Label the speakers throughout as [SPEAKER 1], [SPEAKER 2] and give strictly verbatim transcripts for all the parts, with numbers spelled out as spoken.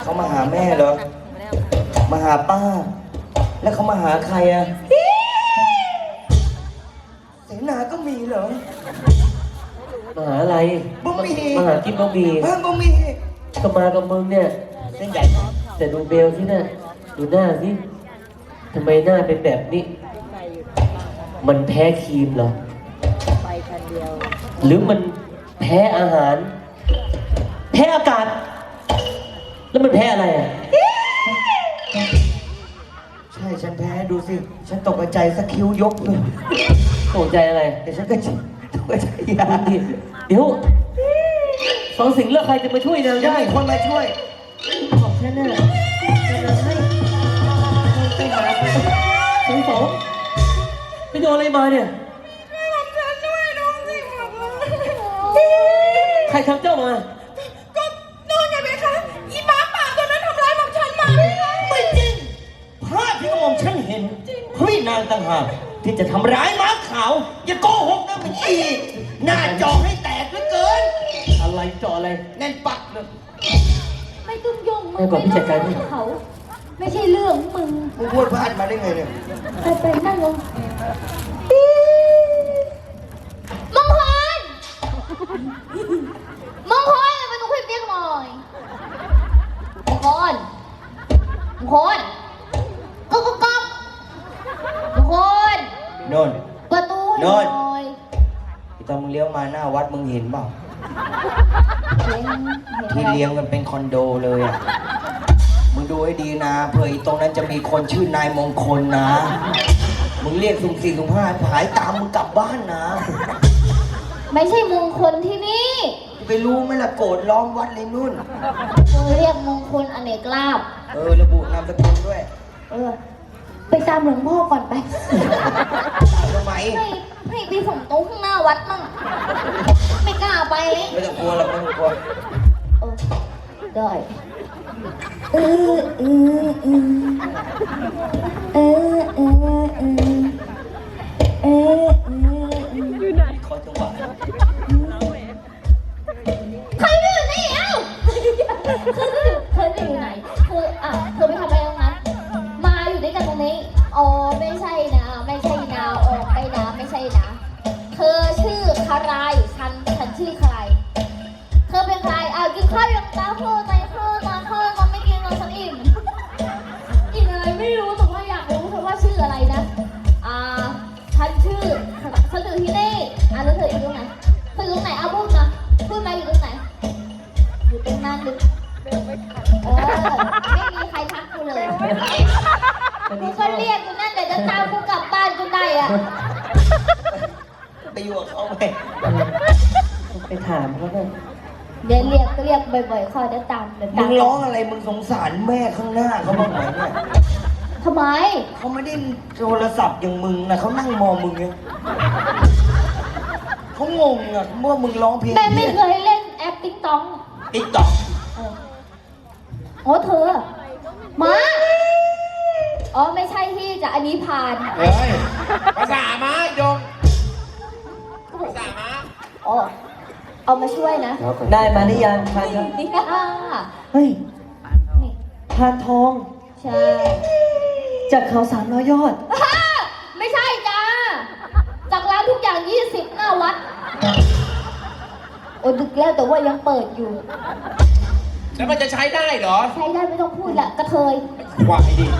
[SPEAKER 1] เขามาหาแม่เหรอมาหาป้าแล้วเขามาหาใครอะเสนาก็มีเหรอ
[SPEAKER 2] มาหาอะไร
[SPEAKER 1] บ่มี
[SPEAKER 2] มาหากินบะหมี่
[SPEAKER 1] เพิ่มบ่มี
[SPEAKER 2] ก็มากับมึงเนี่ย
[SPEAKER 1] เส้นใหญ่
[SPEAKER 2] แต่ดูเบลที่น่ะดูหน้าสิทำไมหน้าเป็นแบบนี้มันแพ้ครีมเหรอหรือมันแพ้อาหารแพ้อากาศแล้วมันแพ้อะไรอ่ะ
[SPEAKER 1] ใช่ฉันแพ้ดูสิฉันตกใจสักคิ้วยกเลย
[SPEAKER 2] ตกใจอะไร
[SPEAKER 1] แต่ฉันก็ตกใจยา
[SPEAKER 2] เดี๋ยวสองสิ่งเลือกใครจะมาช่วยนางได้
[SPEAKER 1] คนมาช่วย
[SPEAKER 2] ขอบฉันน่ะให้สองสองไปโดนอะไรมาเนี่ยใครทำเจ้ามา
[SPEAKER 3] ก็นู่นไงเบคะอีหมาป่าตัวนั้นทำร้ายหม่อมฉันมา
[SPEAKER 1] ไม่จริงภาพที่กระหม่อมฉันเห็นเฮ้ยนางต่างหากที่จะทำร้ายม้าขาวอย่าโกหกนะมันอีหน้าจอให้แตกเหลือเกิน
[SPEAKER 2] อะไรจออะไร
[SPEAKER 1] แน่นปักเลย
[SPEAKER 3] ไม่ต้องยุ่งมึงไม่ต้องยุ่งเขาไม่ใช่เรื่องมึง
[SPEAKER 1] มึงพูดพลาดมาได้ไงเนี่ย
[SPEAKER 3] ไปไปนั่งลงมงคลมงคลมาดูคลิปเรียกหน่อยมงคลมงคลก๊อกก๊อกมงคล
[SPEAKER 1] โนน
[SPEAKER 3] ประตูให้หน่อย
[SPEAKER 1] ตอนมึงเลี้ยวมาหน้าวัดมึงเห็นเปล่าที่เลี้ยงกันเป็นคอนโดเลยอ่ะมึงดูให้ดีนะเผื่อตรงนั้นจะมีคนชื่อนายมงคลนะมึงเรียกสุ่มสี่สุ่มห้าหายตามมึงกลับบ้านนะ
[SPEAKER 3] ไม่ใช่มงคลที่นี่
[SPEAKER 1] ไปรู้ไหมล่ะโกรธล้อมวัดเลยนุ่น
[SPEAKER 3] มึงเรียกมงคลอเนกลาภ
[SPEAKER 1] เออระบุนามสกุลด้วย
[SPEAKER 3] เออไปตามหลวงพ่อก่อนไป
[SPEAKER 1] ทำไม
[SPEAKER 3] ให้ให้ไปส่งโต๊ะข้างหน้าวัดมั่งไม่กล้าไปเลย
[SPEAKER 1] ไม่ต้องกลัวหรอกไม่ต้องกลัว
[SPEAKER 3] เออได้เออเออเออเออเออเออเออ
[SPEAKER 1] อยู่ไหนขอจังหวะ
[SPEAKER 3] ใครอยู่นี่เอ้าเธออยู่ไหนเธออ่ะเธอไปทำอะไรตรงนั้นมาอยู่ด้วยกันตรงนี้อ๋อไม่ใช่นะไม่ใช่นะออกไปนะไม่ใช่นะเธอชื่อใครฉันฉันชื่อใครเธอเป็นใครอ่ะกินข้าวยังตาเธอใจเธอตาเธอมันไม่กินเราฉันอิ่มกินอะไรไม่รู้แต่ว่าอยากรู้เธอว่าชื่ออะไรนะอ่าฉันชื่อฉันอยู่ที่นี่อ่ะแล้วเธออยู่ตรงไหนเธออยู่ตรงไหนอ่ะพูดนะพูดมาอยู่ตรงไหนอยู่ตรงนั้นหรือเออไม่มีใครทักกูเลยกูก็เรียกกูนั่นเดี๋ยวจะตามกูกลับบ้านกูได้อ่ะ
[SPEAKER 1] ไปอยู่กับเขาไหม
[SPEAKER 2] ไปถามเขาเลย
[SPEAKER 3] เดี๋ยวเรียกก็เรียกบ่อยๆข้อเดี๋ยวตามเดี๋ยวตาม
[SPEAKER 1] มึงร้องอะไรมึงสงสารแม่ข้างหน้าเขาบ้างไหมเนี่ย
[SPEAKER 3] ทำไม
[SPEAKER 1] เขาไม่ได้โทรศัพท์อย่างมึงนะเขานั่งมองมึงเนี่ยเขางงอ่ะเมื่อมึงร้องเพลง
[SPEAKER 3] แม่ไม่เคยเล่นแอปติ๊กต็อก
[SPEAKER 1] ติ๊กต็อก
[SPEAKER 3] อ๋อเธอมาอ๋อไม่ใช่ที่จะอันนี้ผ่าน
[SPEAKER 1] เฮ้ยภาษาม้าจงภาษาม้า
[SPEAKER 3] อ๋อเอามาช่วยนะ
[SPEAKER 2] ได้มาหรือยังพานทองเฮ้ยพานทอง
[SPEAKER 3] ใช่
[SPEAKER 2] จากเขาสามร้อยยอด
[SPEAKER 3] ไม่ใช่จ้าจากร้านทุกอย่างยี่สิบหน้าวัดโอ้ดึกแล้วแต่ว่ายังเปิดอยู่
[SPEAKER 1] แล้วมันจะใช้ได้เหรอ
[SPEAKER 3] ใช้ได้ไม่ต้องพูดละกระเทย
[SPEAKER 1] ควายดิ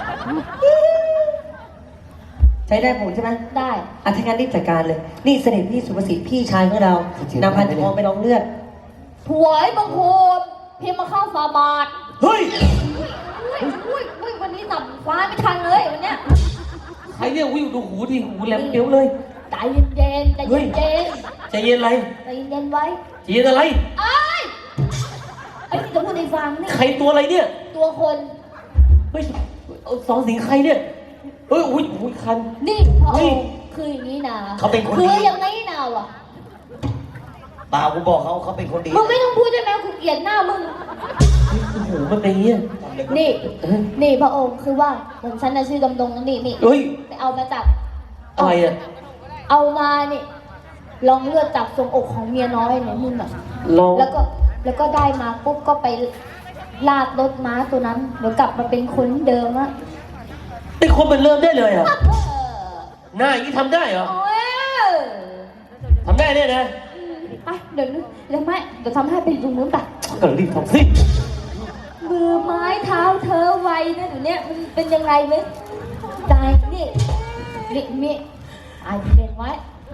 [SPEAKER 2] ใช้ได้ผลใช่ไหม
[SPEAKER 3] ได้
[SPEAKER 2] อ่ะถ้างั้นรีบจัดการเลยนี่เสด็จพี่สุภสิทธิ์พี่ชายของเรานำพันทองไปลองเลือด
[SPEAKER 3] ถวายบังคมพิมพ์มาเข้าฟาบาท
[SPEAKER 1] เฮ้ย
[SPEAKER 3] อุ้ยอุ้ยวันนี้สับฟ้าไม่ทันเลยวันเนี้ย
[SPEAKER 2] ใครเรียกวิ่งดูหูดิหูแหลมเปี้ยวเลย
[SPEAKER 3] ใจเย็นๆใจเย็น
[SPEAKER 2] ใจเย็นอะไร
[SPEAKER 3] ใจเย็นไว้
[SPEAKER 2] ใจเย็นอะไร
[SPEAKER 3] ไอ้ไอ้ที่จะพูดในฟังนี่
[SPEAKER 2] ใครตัวอะไรเนี่ย
[SPEAKER 3] ตัวคน
[SPEAKER 2] เฮ้ยสองสิงใครเนี่ยเฮ้ยอุ้ยอุ้ยคัน
[SPEAKER 3] นี่พ่อคืออย่างนี้นะ
[SPEAKER 1] เขาเป็นคนดี
[SPEAKER 3] คืออย่างนี้นะวะ
[SPEAKER 1] เปล่ากูบอกเขาเขาเป็นคนดี
[SPEAKER 3] มึงไม่ต้องพูดได้ไหมกูเกลียดหน้ามึง
[SPEAKER 2] โอ้โหมันเป็นอย่างนี้
[SPEAKER 3] นี่นี่พระองค์คือว่าผมฉันน่ะชื่อดำดงนี่นี่ไปเอามาจาก
[SPEAKER 2] อะไรอ่ะ
[SPEAKER 3] เอามานี่ลองเลือดจากทรงอกของเมียน้อยเนี่ยมึงอ่ะแล้วก็แล้วก็ได้มาปุ๊บก็ไปลากรถม้าตัวนั้นเดี๋ยวกลับมาเป็นคนเดิมอะ
[SPEAKER 2] เป็นคนเป็นเริ่มได้เลยเหรอ่ะ
[SPEAKER 3] เออ
[SPEAKER 2] หน้าอย่างนี้ทำได้เหรอ
[SPEAKER 3] โอ้ย
[SPEAKER 2] ทำได้เนี่ยนะ
[SPEAKER 3] ไปเดี๋ยวนึงเดี๋ยวไม่เดี๋ยวทำให้ไปตรงนู้นไป
[SPEAKER 2] ก็รีบทำสิ
[SPEAKER 3] มือไม้เท้าเธอไวนะเดี๋ยวนี้มันเป็นยังไงไหมได้นี่นี่นี่อ่านเรียนไว้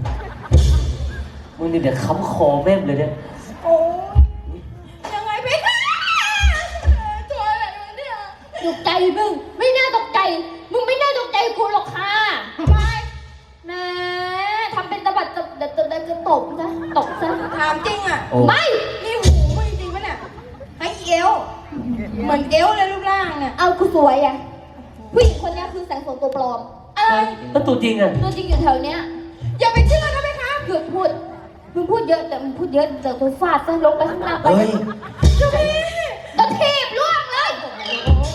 [SPEAKER 2] มึงนี่เดี๋ยวค้ำคอแม่มเลยเนี่ย
[SPEAKER 3] โอ้ยังไงไปคะตัวอะไรวะเนี่ยตกใจมึงไม่น่าตกใจมึงไม่น่าตกใจกูหรอกค่ะทำไมแหมทำเป็นตะบัดตะเดี๋ยวจะจะตบซะตบซะ
[SPEAKER 4] ถามจริงอ่ะ
[SPEAKER 2] โอ้
[SPEAKER 3] ไม่
[SPEAKER 4] นี่หูมึงจริงปะเนี่ยให้เอวเหมือนเอวเลยรูปร่างเนี่ย
[SPEAKER 3] เอากูสวยอะผู้หญิงคนนี้คือแสงโสมตัวปลอม
[SPEAKER 4] อะไร
[SPEAKER 2] แล้วตัวจริงอ่ะ
[SPEAKER 3] ตัวจริงอยู่แถวเนี้ย
[SPEAKER 4] อย่าไปเชื่อนะไหมคะ
[SPEAKER 3] หยุดพูดมึงพูดเยอะแต่มึงพูดเยอะเดี๋ยวตัวฟาดซะลงไปข้างหน้าไป
[SPEAKER 1] เฮ้ย
[SPEAKER 4] เจ้าพี่
[SPEAKER 3] ตัวทีบล่วงเลย
[SPEAKER 4] โอ้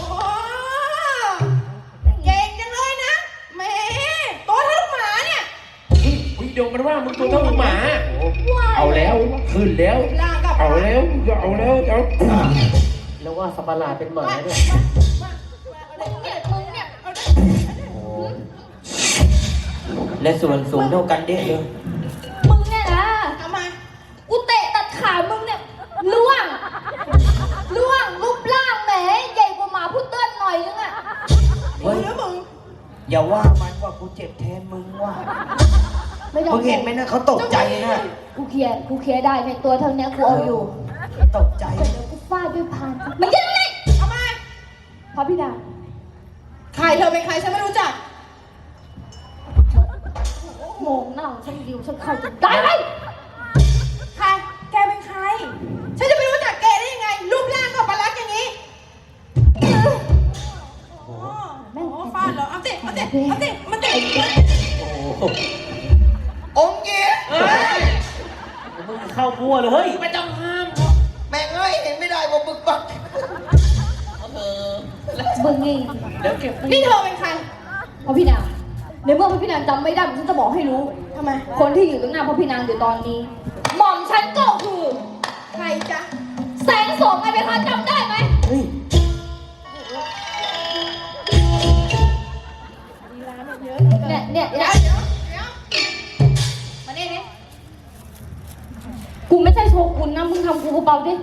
[SPEAKER 4] เก่งจังเลยนะแหมตัวเท่าลูกหมาเนี่ย
[SPEAKER 5] มึงโยงมันว่ามึงตัวเท่าลูกหมา
[SPEAKER 3] ว้าย
[SPEAKER 5] เอาแล้วขึ้นแล้ว
[SPEAKER 4] ร่างกับ
[SPEAKER 5] เอาแล้วเอาแล้วเอา
[SPEAKER 2] แล้วว่าสัตว์ประหลาดเป็นหมาเนี่ย
[SPEAKER 3] มึงเนี่ยมึงเนี่ย
[SPEAKER 1] โอ้และส่วนสูงเท่ากันเด้เลย
[SPEAKER 3] มึงเนี่ยนะ
[SPEAKER 4] ทำไม
[SPEAKER 3] กูเตะตัดขามึงเนี่ยล่วงล่วงรูปร่างแหมใหญ่กว่าหมาพุดเดิ้ลหน่อยนึงอะ
[SPEAKER 1] เฮ้ย
[SPEAKER 4] แล้วมึง
[SPEAKER 1] อย่าว่ามันว่ากูเจ็บแทนมึงว่ะ
[SPEAKER 3] ไม่ต้อง
[SPEAKER 1] มึงเห็นไหมนะเขาตกใจนะ
[SPEAKER 3] กูเคลียร์กูเคลียร์ได้ในตัวเท่านี้กูเอาอยู่
[SPEAKER 1] ตกใจ
[SPEAKER 3] เดี๋ยวกูฟาดด้วยพานมันยังไง
[SPEAKER 4] ทำไม
[SPEAKER 3] พระพี่ดา
[SPEAKER 4] ใครเธอเป็นใครฉันไม่รู้จัก
[SPEAKER 3] โมงหน้าฉันดิวฉันเข้าจะได้ไหม
[SPEAKER 4] ใครแกเป็นใคร ฉันจะไม่รู้จักแกได้ยังไง รูปร่างก็ประหลาดอย่างนี้โอ้โหฟาดเหรอเอาสิเอาสิเอาสิมันเด็ก
[SPEAKER 2] โอ้โห
[SPEAKER 1] องค์เงี้ย
[SPEAKER 2] มึงเข้ามั่วเลยเฮ้ย
[SPEAKER 5] ไม่ต้องห้าม
[SPEAKER 1] แม่งเอ้ยเห็นไม่ได้ว่าบึกบัก
[SPEAKER 3] มึงนี่
[SPEAKER 5] เดี๋ยวเก็บ
[SPEAKER 4] นี่เธอเป็นใคร
[SPEAKER 3] พระพี่นางในเมื่อพระพี่นางจำไม่ได้ฉันจะบอกให้รู้
[SPEAKER 4] ทำไม
[SPEAKER 3] คนที่อยู่ตรงหน้าพระพี่นางอยู่ตอนนี้ หม่อมฉันก็คือ
[SPEAKER 4] ใครจ๊ะ
[SPEAKER 3] แสงโสมไงเป็นคนจำได้ไหม
[SPEAKER 2] เฮ้ย
[SPEAKER 3] เนี่ยเนี่ย
[SPEAKER 4] เดี๋ย
[SPEAKER 3] เนี่
[SPEAKER 4] วย เดี๋ยวเดี๋ยวมาเนี่ยนี่
[SPEAKER 3] กูไม่ใช่โชกุนนะมึงทำกูเบาๆดิ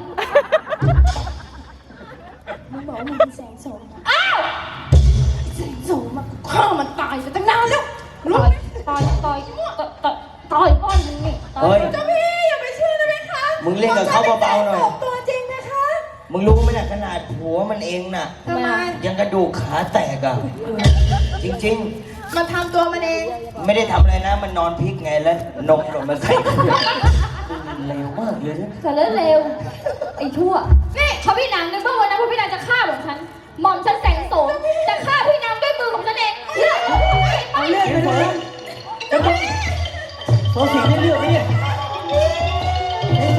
[SPEAKER 4] มึงบอกว่ามึงเป็นแสงโสมนะ
[SPEAKER 3] อ้าว
[SPEAKER 4] แสงโสมอะฆ่ามันตายไปตั้งนานแล้วรู้
[SPEAKER 3] ต่อย
[SPEAKER 4] ไหม
[SPEAKER 3] ต่อยต่อยต่อยต่อยก้อนมึงนี่ต่อ
[SPEAKER 1] เฮ้ย
[SPEAKER 4] เจ้าพี่อย่าไปเชื่อนะไหมคะ
[SPEAKER 1] มึงเล่นกับเขาเบาๆหน่อย
[SPEAKER 4] ผมตัวจริงนะคะ
[SPEAKER 1] มึงรู้ไหมน่ะขนาดหัวมันเองน่ะ
[SPEAKER 4] ทำไม
[SPEAKER 1] ยังกระดูกขาแตกอ่ะ จริง
[SPEAKER 4] มันทำตัวมันเอง
[SPEAKER 1] ๆ ไม่ได้ทำอะไรนะ มันนอนพลิกไงแล้วนมหล่นมาใส่
[SPEAKER 2] เร็วมากเลยนะ
[SPEAKER 3] เสร็จแล้วเร็วไอ้ชั่วนี่พระพี่นางในเมื่อวันนั้นพระพี่นางจะฆ่าหม่อมฉันหม่อมฉันแสงโสมจะฆ่าพี่นางด้วยมือของฉันเองเลือด
[SPEAKER 2] เอาเลือดไปเลยจะต้องโซสิงได้เลือดไหมเนี่ยไอ้โซ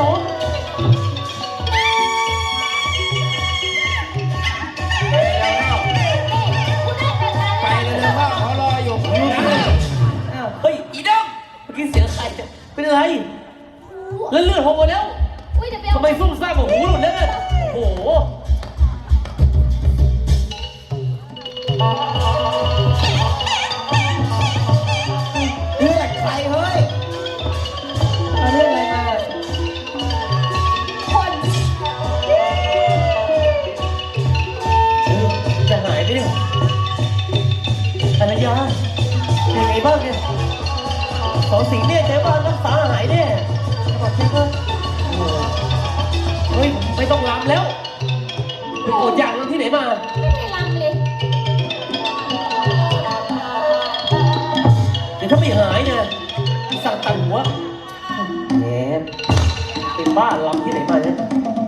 [SPEAKER 5] ไปเลยนะพ่อเขารออยู่นะ
[SPEAKER 2] อ้าวเฮ้ย อีดงเมื่อกี้เสียงใครเนี่ยเป็นอะไร แล้วเลือดหกหมดแล้ว
[SPEAKER 3] อุ้ยเดี๋ยวไปเอา
[SPEAKER 2] ทำไมซุ่มซ่ามกับหูหลุดแล้วเนี่ยโอ้โห
[SPEAKER 1] เลือดใครเฮ้ย
[SPEAKER 2] เอาเรื่องอะไรมา
[SPEAKER 3] คน
[SPEAKER 2] จะหายไปเนี่ยภรรยาเป็นไงบ้างเนี่ยสองสีเนี่ยเจ๊บ้านรักษาหายเนี่ยจะบอกเจ๊ก็โอ้โหเฮ้ย ไม่ต้องรำแล้วไปกดยางที่ไหนมา
[SPEAKER 3] ไม่ได้รำเลย
[SPEAKER 2] เดี๋ยวถ้าไม่หายเนี่ยสั่งตัดหัวแหมเป็นบ้าลำที่ไหนมาเนี่ย